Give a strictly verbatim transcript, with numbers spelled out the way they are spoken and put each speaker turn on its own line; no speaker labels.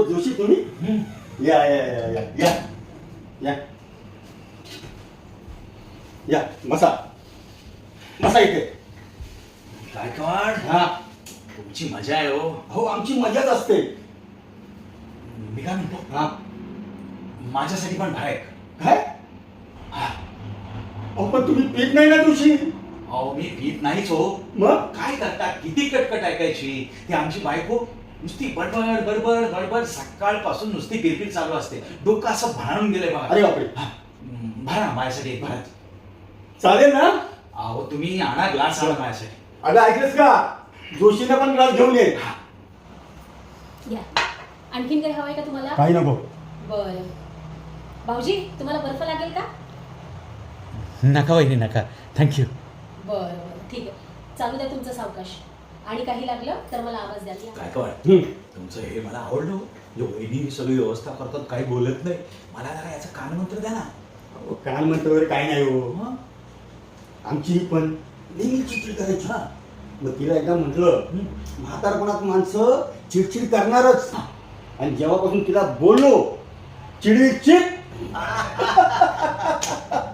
ओ जोशी तुम्ही या या या या या या या बसा बसा इथे.
गायकवाड,
हा
तुमची मजा आहे हो.
हो आमची मजाच असते.
मी काय म्हणतो,
हा
माझ्यासाठी पण बाहेर
काय अहो पण तुम्ही पीत नाही ना जोशी.
अहो मी भीत नाहीच हो.
मग
काय करता, किती कटकट ऐकायची. ती आमची बायको नुसती बडबड बडबड बडबड सकाळपासून नुसती किरकिर चालू असते. डोकं असं भाळून गेलंय बघा.
अरे बापरे.
हा, भरा माझ्यासाठी एक भरा.
चालेल ना.
अहो तुम्ही आणा ग्लास आणा माझ्यासाठी.
अगं ऐकलंस का, जोशीने पण ग्लास घेऊन ये.
या आणखीन काही हवंय का तुम्हाला?
काही नको.
बरं भाऊजी, तुम्हाला बर्फ लागेल का?
नका वहिनी नका, थँक्यू.
बरं बरं ठीक आहे, चालू द्या तुमचं सावकाश. आणि काही लागलं तर मला आवाज द्या.
गायकवाड,
हम्म.
तुमचं हे मला आवडलं. जो वहिनी सगळी व्यवस्था करतात, काही बोलत नाही. मला जरा याचं कानमंत्र द्या ना.
अहो, कान म्हणतो वगैरे काही नाही हो.
मग?
आमची ही पण नेहमी चिडचिड करायची. हा मग तिला एकदा म्हटलं म्हातारपणात माणसं चिडचिड करणारच. आणि जेव्हापासून तिला बोललो चिडवी चिड